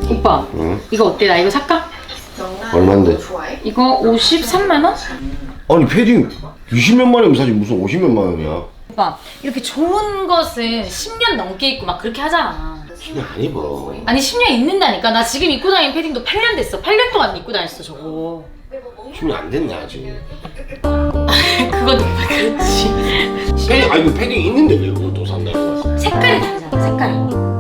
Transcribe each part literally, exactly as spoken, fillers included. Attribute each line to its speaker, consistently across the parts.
Speaker 1: 오빠,
Speaker 2: 응?
Speaker 1: 이거 어때? 나 이거 살까?
Speaker 2: 얼만데?
Speaker 1: 이거 오십삼만 원?
Speaker 2: 아니 패딩 이십몇만 원이면 사지 무슨 오십몇만 원이야.
Speaker 1: 오빠, 이렇게 좋은 것은 십 년 넘게 입고 막 그렇게 하잖아.
Speaker 2: 십 년 안 입어.
Speaker 1: 아니 십 년 입는다니까. 나 지금 입고 다니는 패딩도 팔 년 됐어. 팔 년 동안 입고 다녔어 저거.
Speaker 2: 십 년 안 됐네 아직.
Speaker 1: 그건 오빠 그렇지.
Speaker 2: 패딩 아니 그 패딩 있는데 왜 그걸 또 산다고?
Speaker 1: 색깔이 다르잖아, 색깔이.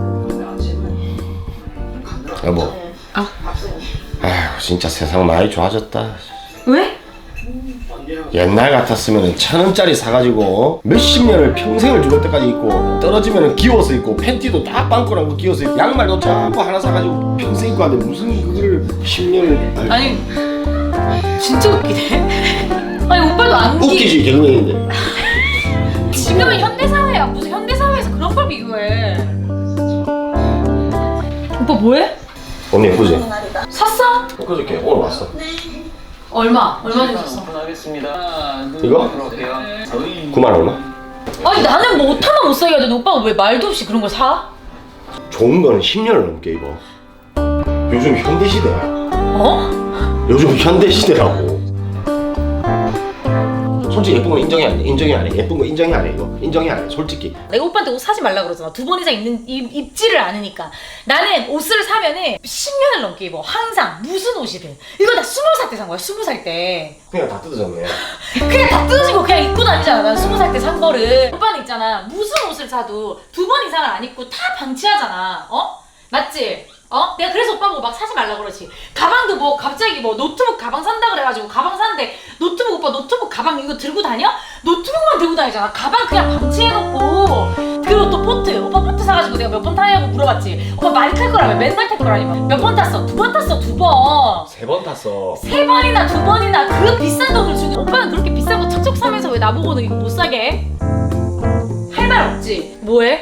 Speaker 2: 여보.
Speaker 1: 아.
Speaker 2: 아휴 진짜 세상 많이 좋아졌다.
Speaker 1: 왜?
Speaker 2: 옛날 같았으면 천 원짜리 사가지고 몇십 년을 평생을 죽을 때까지 입고 떨어지면 기워서 입고 팬티도 딱 빵꾸난 거 기워서 입고 양말도 전부 하나 사가지고 평생 입고 하는데 무슨 그거를 십 년을
Speaker 1: 아니 진짜 웃기네. 아니 오빠도 안 웃기.
Speaker 2: 웃기지 개그맨인데.
Speaker 1: 지금은 현대사회야. 무슨 현대사회에서 그런 걸 비교해. 오빠 뭐해?
Speaker 2: 너무 예쁘지?
Speaker 1: 샀어?
Speaker 2: 그저께 오늘 왔어.
Speaker 1: 얼마? 얼마 주고 샀어?
Speaker 2: 이거? 구만 얼마?
Speaker 1: 아니 나는 뭐 옷 하나 못 사게 하는데 오빠가 왜 말도 없이 그런 걸 사?
Speaker 2: 좋은 거는 십 년을 넘게 입어. 요즘 현대시대야.
Speaker 1: 어?
Speaker 2: 요즘 현대시대라고. 솔직히 예쁜 건 인정이 안 해. 인정이 안 해. 예쁜 거 인정이 안 해. 이거 인정이 안 해. 솔직히.
Speaker 1: 내가 오빠한테 옷 사지 말라 그러잖아. 두 번 이상 입는, 입, 입지를 않으니까. 나는 옷을 사면은 십 년을 넘게 입어. 항상 무슨 옷이든. 이거 나 스무 살 때 산 거야. 스무 살 때.
Speaker 2: 그냥 다 뜯어졌네.
Speaker 1: 그냥 다 뜯어지고 그냥 입고 다니잖아. 난 스무 살 때 산 거를. 오빠는 있잖아. 무슨 옷을 사도 두 번 이상을 안 입고 다 방치하잖아. 어? 맞지? 어? 내가 그래서 오빠 보고 막 사지 말라 그러지. 가방도 뭐 갑자기 뭐 노트북 가방 산다 그래가지고 가방 사는데 노트북 오빠 노트북 가방 이거 들고 다녀? 노트북만 들고 다니잖아. 가방 그냥 방치해놓고. 그리고 또 포트. 오빠 포트 사가지고 내가 몇 번 타냐고 물어봤지. 오빠 많이 탈 거라며. 맨날 탈 거라며. 몇 번 탔어? 두 번 탔어. 두 번.
Speaker 2: 세 번 탔어.
Speaker 1: 세 번이나 두 번이나 그 비싼 돈을 주고 오빠는 그렇게 비싼 거 척척 사면서 왜 나보고는 이거 못 사게 해? 할 말 없지? 뭐해?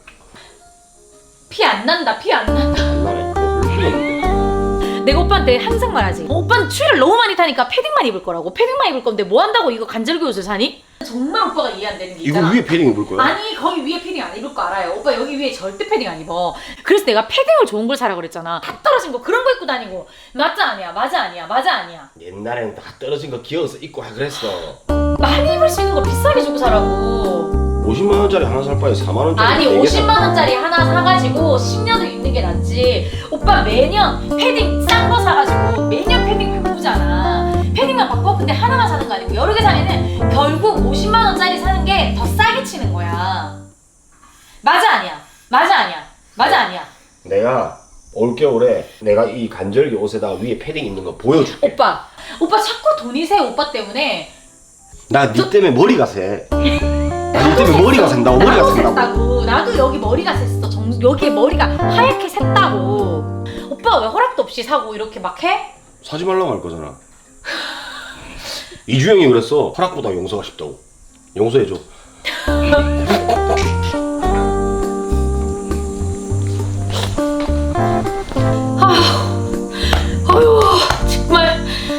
Speaker 1: 피 안 난다. 피 안 난다.
Speaker 2: 안 나네. 별로 필요 없는데.
Speaker 1: 내가 오빠한테 항상 말하지. 어, 오빠는 추위를 너무 많이 타니까 패딩만 입을 거라고. 패딩만 입을 건데 뭐 한다고 이거 간절기 옷을 사니? 정말 오빠가 이해 안 되는 게
Speaker 2: 이거
Speaker 1: 있잖아.
Speaker 2: 위에 패딩 입을 거야?
Speaker 1: 아니 거기 위에 패딩 안 입을 거 알아요. 오빠 여기 위에 절대 패딩 안 입어. 그래서 내가 패딩을 좋은 걸 사라 그랬잖아. 다 떨어진 거 그런 거 입고 다니고. 맞아 아니야? 맞아 아니야? 맞아 아니야?
Speaker 2: 옛날에는 다 떨어진 거 귀여워서 입고 하 그랬어.
Speaker 1: 많이 입을 수 있는 거 비싸게 주고 사라고.
Speaker 2: 오십만 원짜리 하나 살 바에 사만 원짜리
Speaker 1: 아니
Speaker 2: 네 개
Speaker 1: 오십만
Speaker 2: 사.
Speaker 1: 원짜리 하나 사가지고 십 년을 입는 게 낫지. 오빠 매년 패딩 싼 거 사가지고 매년 패딩 바꾸잖아. 패딩만 바꿔. 근데 하나만 사는 거 아니고 여러 개 사면은 결국 오십만 원짜리 사는 게 더 싸게 치는 거야. 맞아 아니야? 맞아 아니야? 맞아 아니야?
Speaker 2: 내가 올겨울에 내가 이 간절기 옷에다 위에 패딩 입는 거 보여줄게.
Speaker 1: 오빠 오빠 자꾸 돈이 새. 오빠 때문에.
Speaker 2: 나 니 때문에 머리가 새. 나 니 때문에 머리가 샌다고. 머리가
Speaker 1: 나도
Speaker 2: 샌다고.
Speaker 1: 샜다고. 나도 여기 머리가 샜어. 정, 여기에 머리가 하얗게 샜다고. 오빠 왜 허락도 없이 사고 이렇게 막 해?
Speaker 2: 사지 말라고 할 거잖아. 이주영이 그랬어. 허락보다 용서가 쉽다고. 용서해줘.
Speaker 1: 아유 정말.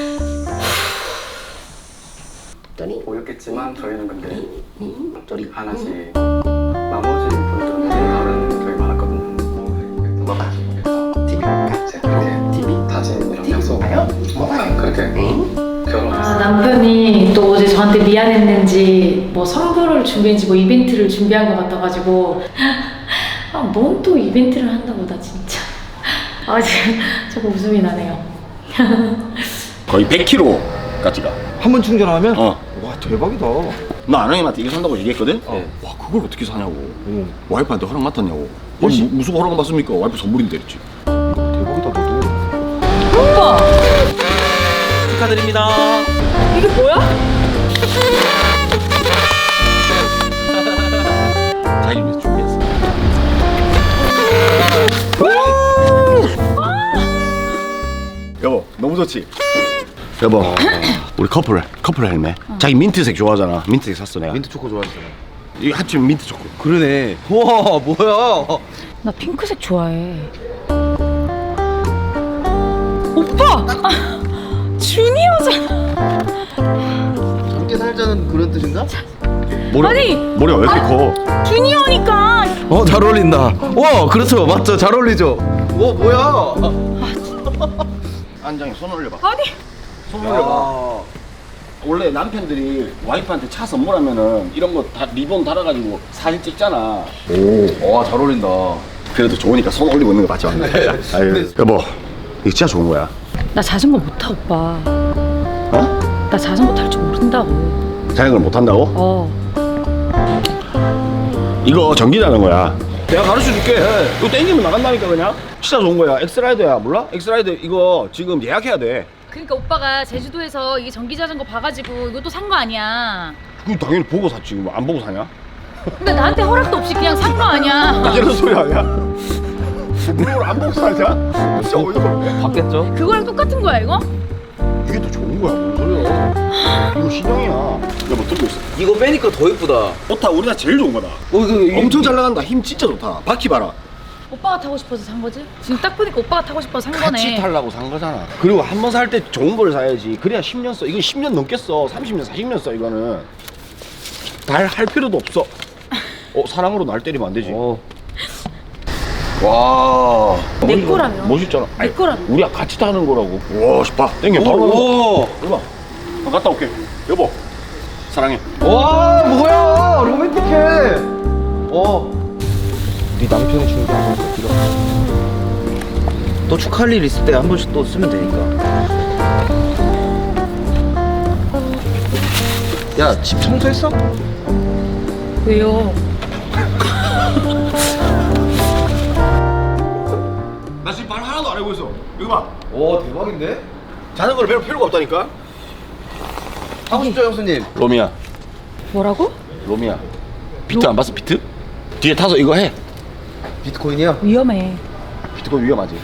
Speaker 3: 보였겠지만 저희는 근데 하나씩 나머지 분들은 다른 저희 많았거든요.
Speaker 2: 뭐가?
Speaker 3: 티비 그렇게 티비 다진 이런 약속 그렇게 결혼했어요.
Speaker 1: 아, 남편이 또 어제 저한테 미안했는지 뭐 선물을 준비했는지 뭐 이벤트를 준비한 것 같아가지고 아, 뭔 또 이벤트를 한다고 나 진짜. 아 지금 자꾸 웃음이 나네요.
Speaker 2: 거의 백 킬로까지 가.
Speaker 4: 한 번 충전하면?
Speaker 2: 어.
Speaker 4: 와 대박이다.
Speaker 2: 나 아랑이한테 이거 산다고 얘기했거든?
Speaker 4: 어.
Speaker 2: 와 그걸 어떻게 사냐고.
Speaker 4: 오,
Speaker 2: 와이프한테 허락 맡았냐고.
Speaker 4: 혹시-
Speaker 2: 아니, 무, 무슨 허락 받습니까? 와이프 선물인데 했지.
Speaker 4: 대박이다 너도.
Speaker 1: 오빠
Speaker 5: 축하드립니다.
Speaker 1: 이게 뭐야?
Speaker 2: 자기 위해서 준비했어. 여보 너무 좋지? 여보 우리 커플 커플 헬멧. 자기 민트색 좋아하잖아. 민트색 샀어 내가.
Speaker 4: 민트 초코 좋아하시잖아.
Speaker 2: 이거 합치면 민트 초코.
Speaker 4: 그러네. 와 뭐야?
Speaker 1: 나 핑크색 좋아해. 오빠! 아, 주니어잖아.
Speaker 4: 함께 살자는 그런 뜻인가?
Speaker 2: 머리,
Speaker 1: 아니!
Speaker 2: 머리가 왜 이렇게 커?
Speaker 1: 주니어니까.
Speaker 4: 어 잘 어울린다. 와 그렇죠 맞죠 잘 어울리죠. 뭐 뭐야?
Speaker 2: 안장에 손 올려봐.
Speaker 1: 아니
Speaker 2: 손 올려봐. 원래 남편들이 와이프한테 차 선물하면은 이런 거 다 리본 달아가지고 사진 찍잖아.
Speaker 4: 오, 와, 잘 어울린다.
Speaker 2: 그래도 좋으니까 손 올리고 있는 거 맞죠? 아유, 여보, 이거 진짜 좋은 거야.
Speaker 1: 나 자전거 못 타 오빠.
Speaker 2: 어?
Speaker 1: 나 자전거 탈 줄 모른다고.
Speaker 2: 자전거를 못 한다고?
Speaker 1: 어.
Speaker 2: 이거 전기 자전거야. 내가 가르쳐 줄게. 이거 땡기면 나간다니까 그냥. 진짜 좋은 거야. 엑스라이더야. 몰라? 엑스라이더 이거 지금 예약해야 돼.
Speaker 1: 그러니까 오빠가 제주도에서 이게 전기 자전거 봐가지고 이것도 산 거 아니야.
Speaker 2: 그거 당연히 보고 샀지. 뭐 안 보고 사냐?
Speaker 1: 근데 나한테 허락도 없이 그냥 산 거 아니야.
Speaker 2: 이런 소리 아니야? 그걸 안 보고 사냐? 진짜 어이가 없네.
Speaker 4: 봤겠죠?
Speaker 1: 그거랑 똑같은 거야 이거?
Speaker 2: 이게 더 좋은 거야. 뭔 소리야? 이거 신형이야. 여보 들고 있어.
Speaker 4: 이거 빼니까 더 이쁘다.
Speaker 2: 좋다. 우리나라 제일 좋은 거다.
Speaker 4: 어, 이거
Speaker 2: 엄청 잘 나간다. 힘 진짜 좋다. 바퀴 봐라.
Speaker 1: 오빠가 타고 싶어서 산 거지? 지금 딱 보니까 오빠가 타고 싶어서 산 거네.
Speaker 2: 같이 타려고 산 거잖아. 그리고 한 번 살 때 좋은 걸 사야지. 그래야 십 년 써. 이건 십 년 넘게 써. 삼십 년, 사십 년 써. 이거는 달 할 필요도 없어. 어 사랑으로 날 때리면 안 되지.
Speaker 4: 어.
Speaker 2: 와.
Speaker 1: 내 거라며.
Speaker 2: 멋있잖아.
Speaker 1: 내 거라며.
Speaker 2: 우리가 같이 타는 거라고. 와, 봐. 땡겨. 바로
Speaker 4: 오,
Speaker 2: 올라. 나 갔다 올게. 여보. 사랑해.
Speaker 4: 와, 뭐야? 로맨틱해. 어. 네 남편이 주는 거 한번 빌어. 또 축하할 일 있을 때 한 번씩 또 쓰면 되니까. 야, 집 청소했어?
Speaker 1: 왜요?
Speaker 2: 나 지금 말 하나도 안 하고 있어. 이거 봐.
Speaker 4: 오, 대박인데?
Speaker 2: 자전거를 배울 필요가 없다니까.
Speaker 4: 하고 싶죠, 형수님?
Speaker 2: 로미야.
Speaker 1: 뭐라고?
Speaker 2: 로미야. 비트 안 봤어? 비트? 뒤에 타서 이거 해.
Speaker 4: 비트코인이야?
Speaker 1: 위험해.
Speaker 2: 비트코인 위험하지.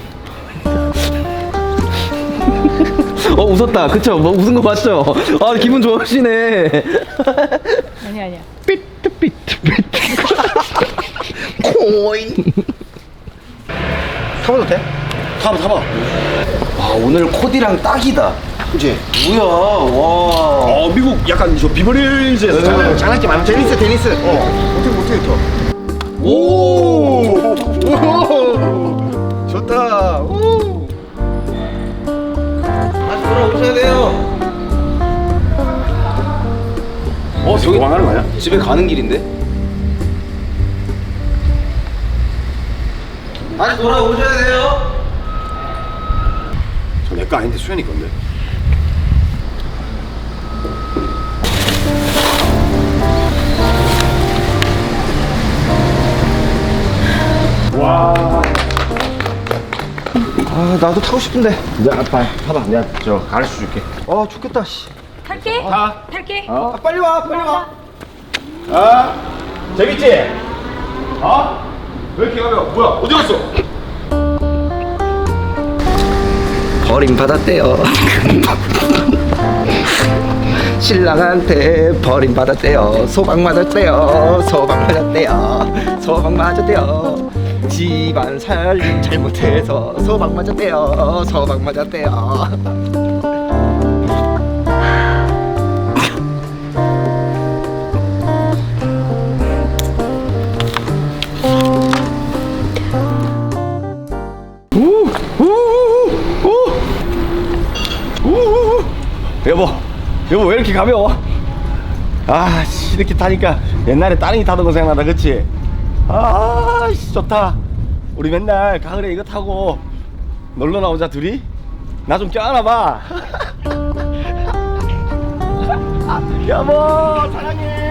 Speaker 4: 어, 웃었다. 그쵸? 뭐 웃은 거 맞죠? 아, 기분 좋으시네.
Speaker 1: 아니 아니야.
Speaker 4: 비트, 비트, 비트. 코인. 타봐도 돼?
Speaker 2: 타봐 타봐.
Speaker 4: 아, 오늘 코디랑 딱이다.
Speaker 2: 그치?
Speaker 4: 뭐야, 와.
Speaker 2: 어 미국 약간 저 비버리hil즈에서
Speaker 4: 네.
Speaker 2: 장난, 장난기 많은
Speaker 4: 테니스, 테니스.
Speaker 2: 어 어떻게 어떻게 쳐?
Speaker 4: 오! 오! 좋다. 오! 다시 돌아오셔야 돼요.
Speaker 2: 어 저기 도망가는 거 아니야?
Speaker 4: 집에 가는 길인데? 다시 돌아오셔야 돼요.
Speaker 2: 저 내 거 아닌데 수현이 건데. 와.
Speaker 4: 아, 나도 타고 싶은데.
Speaker 2: 야 아빠 타봐. 내가 저 가르쳐 줄게.
Speaker 4: 아, 좋겠다. 씨.
Speaker 1: 탈게.
Speaker 2: 타.
Speaker 1: 탈게.
Speaker 2: 어?
Speaker 4: 아, 빨리 와, 빨리 와.
Speaker 2: 아 재밌지? 어? 왜 이렇게 가벼워? 뭐야 어디 갔어?
Speaker 4: 버림받았대요. 신랑한테 버림받았대요. 소방 맞았대요. 소방 맞았대요. 소방 맞았대요. 집안 살림 잘못해서 소방 맞았대요. 소방 맞았대요.
Speaker 2: 여보, 여보 왜 이렇게 가벼워? 아, 씨, 이렇게 타니까 옛날에 따릉이 타던 거 생각나다, 그치? 아, 씨, 좋다. 우리 맨날 가을에 이거 타고 놀러 나오자, 둘이? 나 좀 껴안아봐. 여보, 사랑해.